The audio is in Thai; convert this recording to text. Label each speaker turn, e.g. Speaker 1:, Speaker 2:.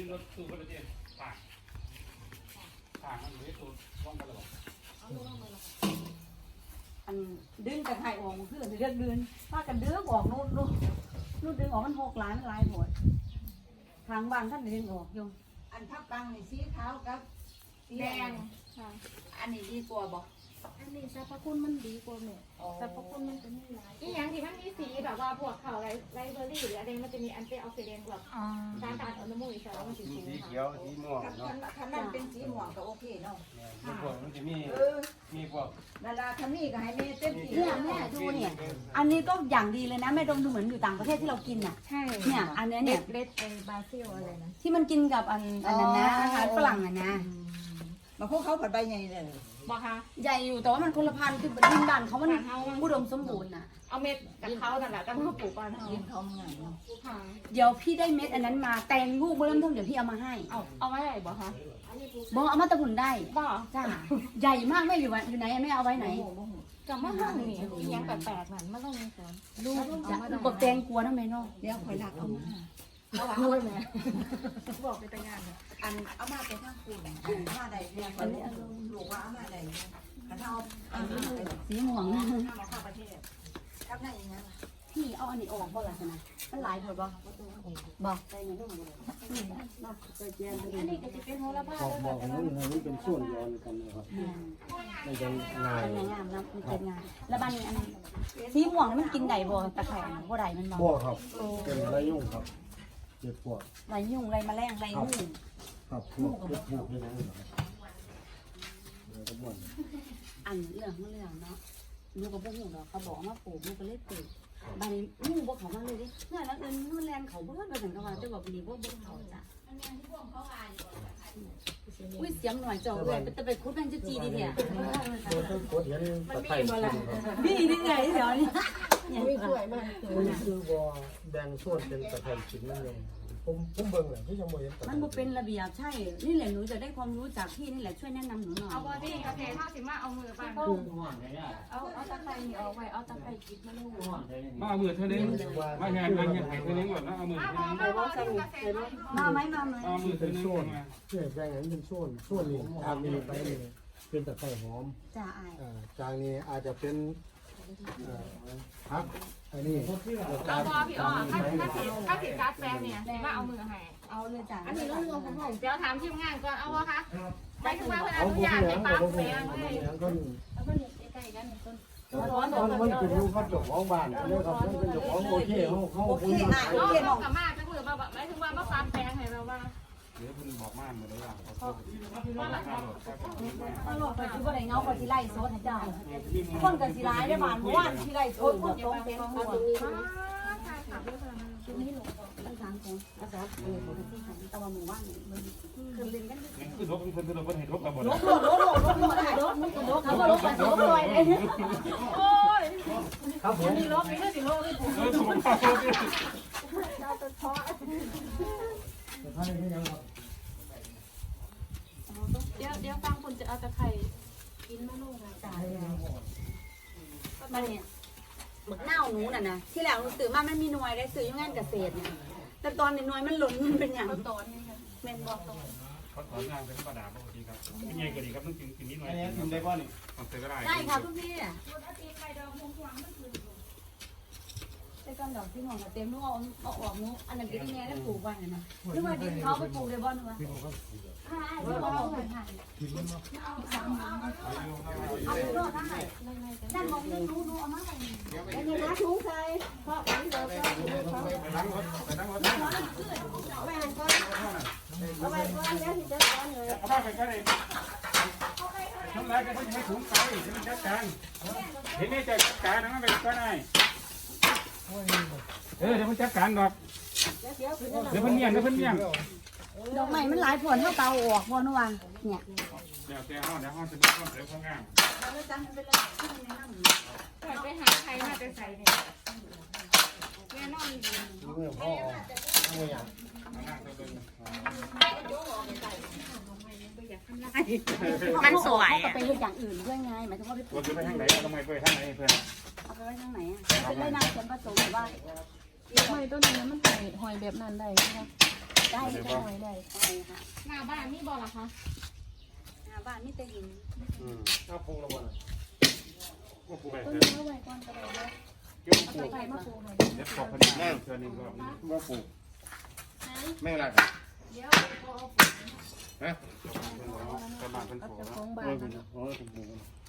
Speaker 1: รถตู้ก็จะต่างมันเลยตัวว่องกันหรอ
Speaker 2: อันดึงจากไข่ออกมันคือเดือดเดือนถ้ากันเดือดออกนู่นดึงออกมัน6 ล้านมันลายหมดทางบ้านท่านดึงออกอยู่
Speaker 3: อันทับปังนี่สีขาวกับสีแดงค่ะอันนี้ดีกว่าบ่
Speaker 4: อันนี้สรรพคุณมันดีกว่าแม่สรรพคุณมันจะมีหลายอีกอย่างที่มันมีสีแบบว่าพวกเขาไรเบอร์รี่หรืออะไรมันจะมีแอนตี้ออกซิแดนต์แบบสารต้านอนุมูลอิสระมันสี
Speaker 5: สีเขียวสีม่วงเนาะ
Speaker 3: คันนั้นเป็นสีม่วงก็โอเคเนาะ
Speaker 5: พวกมันจะมีพวก
Speaker 3: นาราคันนี้ก็ให้แม่เต็มที่
Speaker 2: เนี่ยแม่ดูเนี่ยอันนี้ก็อย่างดีเลยนะแม่ดมดูเหมือนอยู่ต่างประเทศที่เรากินอ่ะ
Speaker 4: ใช่
Speaker 2: เนี่ยอันนี้เนี่ย
Speaker 4: เลดบาซิลอะไรนะ
Speaker 2: ที่มันกินกับอันนั้นนะอาหารฝรั่งอ่ะนะ
Speaker 3: มาพวกเขาผัดใบใหญ่เลย
Speaker 4: บอกค่ะ
Speaker 2: ใหญ่อยู่แต่ว่ามันคนละพันธุ์คือดินบ้านเขามันอุดมสมบูรณ์น่ะ
Speaker 4: เอาเม็ดกับเขาแต่ละต้องมาปลูกก่อน
Speaker 3: กินเขาไง
Speaker 2: เดี๋ยวพี่ได้เม็ดอันนั้นมาแตงลูกเริ่มต้นเดี๋ยวพี่เอามาให้
Speaker 4: เอาไว้ไหนบอกคะ
Speaker 2: บอกเอามาตะหุ่นได้
Speaker 4: บอก
Speaker 2: จ้าใหญ่มากแม่อยู่ไหนแม่เอาไว้ไหน
Speaker 4: กับมะม่วงนี่ยังแปลกๆนั่นมะม่วงสวน
Speaker 2: ลูกบดแตงกลัวทำไมเนาะ
Speaker 3: เดี๋ยวคอยหลักเอามา
Speaker 4: เอาไว้แม่บอกไปแต่งงาน
Speaker 3: อันเอามาไปข้างคุณมาใดเนี่ยคนนี้ลูกว่าเอามาใดกันเอา
Speaker 2: สีม่วง
Speaker 3: มาเข้าประเทศกับไหนอย่างเงี้ย
Speaker 2: พี่เอาอันนี้ออกบ่ล่ะนะมันหลายผลบ่บอกใจเงินด้วย
Speaker 4: อันนี้ก็จะเป็นโหระพา
Speaker 5: บอกนี่เป็นส่วนย้อนกันนะครับไม่ใช่ง่าย
Speaker 2: งามนะมันเป็นงานแล้วบ้านนี้อันสีม่วงมันกินได้บ่ตะไคร้บ่ได้มัน
Speaker 5: บ่ครับเป็นไรยุ่งครับเจ็บปวด
Speaker 2: ไรยุ่งไรแมลงไรงู
Speaker 5: ครับพวกเจ็บปวดที่นั่น
Speaker 2: อันเรื่องเนาะลูกกับพวกหูเนาะเขาบอกมาปลูกลูกก็เลยปลูกบ้านนี้งูบ่เขามาเลยดิเงื่อนแล้วมันแรงเขาเบิ้ลไปถึงเขาจะบอกดีว่าบ่เขาจ้ะอุ้ยเสียงหน่อยจ่อเลยจะไปคุดแมงจะจีดีเนี่ยนี่นี่ไงเดี๋ยวนี้
Speaker 4: ไม่สวยมาก
Speaker 5: คือบ่แบ่งส่วนเป็นตะไคร้ชิ้นนั่นเองผมเบิ่งแหละที่จะโมเห็น
Speaker 2: มันบ่เป็นระเบียบใช่นี่แหละหนูจะได้ความรู้จากพี่นี่แหละช่วยแนะนำหนูหน่อย
Speaker 4: เอาบอดี้โอเคเท่าสิมาเอามือไปเอาตะไคร้นี่เอาไว้เอาตะไคร้กินมาลูก
Speaker 1: มาเอามือเท่านี้มางานไข่เท่านี้ก่อนนะเอามือเท่านี้
Speaker 2: มาไหม
Speaker 1: เอามือเท่านี้มา
Speaker 5: เนี่ยแบ่งให้เป็นส่วนนี้ทางนี้ไปนี่เป็นตะไคร้หอม
Speaker 2: จ้า
Speaker 5: จางนี้อาจจะเป็นพักอันนี้
Speaker 4: เอาพอพี่อ๋อถ้าผิดการ์ดแปลเนี่ยมาเอามือให้
Speaker 2: เอาเลยจ้า
Speaker 4: อันนี้ต้องรวมของผมเดี๋ยวถามทีมงานก่อนเอาวะคะไปถึงว่าเพื่อนอนุญาตให้ปั๊มแปลงเลยแล้วก็ใกล้ๆกันต้น
Speaker 5: มันเป็นลูกเขาจบของบ้านเนี่ยครับมันเป็นจบของโอเคเขา
Speaker 3: โอเคนะ
Speaker 4: โอเคกับมากจะมือมาแบบไม่ถึงว่ามาปั๊มแปลงให้เราว่า
Speaker 1: เดี๋ยวคุณบอกม่านมาเลยว่า
Speaker 2: ตลอดไปที่ว่าไหนเงากับที่ไล่โซดให้เจ้าคนกับที่ร้ายได้บานเพราะว่าที่ไล่โซดคนตรงเป็นหัวชุดนี้ลงตั้ง3 คนอาสาของที่ทำตะวันหมู่บ้านมันคือเล่นกัน
Speaker 1: คือรถเพิ่นเห็นรถกันหมด
Speaker 2: รถเขาก็รถไปรถลอยเลยโอ้ย
Speaker 5: ครับผม
Speaker 2: นี่รถไม่ใช่สิรถเลยผม
Speaker 4: เดี๋ยวฟังคุณจะเอาตะไคร้กินมาลูกนะจ่าย
Speaker 2: มันเนี่ยหมึกเน่าหนูน่ะนะที่แรกหนูตื่นมามันมีหน่วยได้ซื้อยังงานเกษตรเนี่ยแต่ตอนนี้หน่วยมันหล่นมันเป็นอย่าง
Speaker 4: ต้นเมนบอกต้น
Speaker 1: เขาถอนงานเป็นประดาบดีครับเป็นไงก็ดีครับต้องกินนิดหน่อย
Speaker 5: อันนี้กินได้ป่ะนี่
Speaker 1: ต้องซื้อก็ได้
Speaker 2: ได้ค่ะทุกพี่แต่ก่อนดอกที่หอมเต็มนู้เอาออกนู้อันนั้นก็ได้แง่ได้ปลูกไว้นะนึกว่าดินเขาไปปลูกได้บ่นึกว่าเอาไปถ่ายเอาไปรอดได้ด้านมองดูเอามาใส่แล้วนี่นะถุงใส่เพราะอันนี้เราก็
Speaker 1: ไปล้างรถ
Speaker 2: เอาไปหันก้อนเอาไปก้อนแล้วถึงจะก้อนเลย
Speaker 1: เอาไปก็ได้ทำไรก็ต้องให้ถุงไปให้มันจัดการเห็นไหมจัดการนะมันไปก็ได้เดี๋ยวมันจัดการดอกเดี๋ยวเพิ่นเมี่ยง
Speaker 2: ดอกใหม่มันหลายผลเท่าเตาออกพอนุวันเนี่ย
Speaker 1: เดี๋ยวห้องจะมีห้องเดี๋ยวข้างล่าง
Speaker 4: ไปหาใครมาจะใส่เนี่ยแน่นอน
Speaker 5: พ่อไม่อยาก
Speaker 2: มันสวยอ่ะไปเห็นอย่างอื่นด้วยไงหมายถึงว่า
Speaker 1: ไปทางไหนทำไมไปทางไหนเพื่อน
Speaker 2: เอาไปไว้ทางไหนอ่ะเป็นไรนางส่วนผสมหรือว่า
Speaker 4: หอยต้นนี้มันหอยแบบนั้นได้ไหมคะได้ได้ได้
Speaker 2: ใช่ค่ะ
Speaker 4: หน้าบ้านมีบ่ล่ะคะ
Speaker 2: หน้าบ้านมีแต่หิน
Speaker 5: เอาปรุงแล้วบ่ล่ะ
Speaker 1: ก็ปลูกไป
Speaker 4: ต้น
Speaker 1: เถอะ
Speaker 4: นี้เอาไว้ก่อนก็ได้แล้ว
Speaker 1: เกี่ยว
Speaker 4: เอา
Speaker 1: ปลูก
Speaker 4: ไปมาปลูกให้
Speaker 1: เด็ดขอบพนังเทือนึงก็ว่าปลูกแม่ละครับ
Speaker 4: เดี๋ยวพอเอา
Speaker 1: ฮะประมาณเป็น
Speaker 4: เอา
Speaker 1: โถ
Speaker 4: เจ้าของบ้าน
Speaker 1: โอ้ย
Speaker 4: นะ
Speaker 1: โอ้ยผมปลูก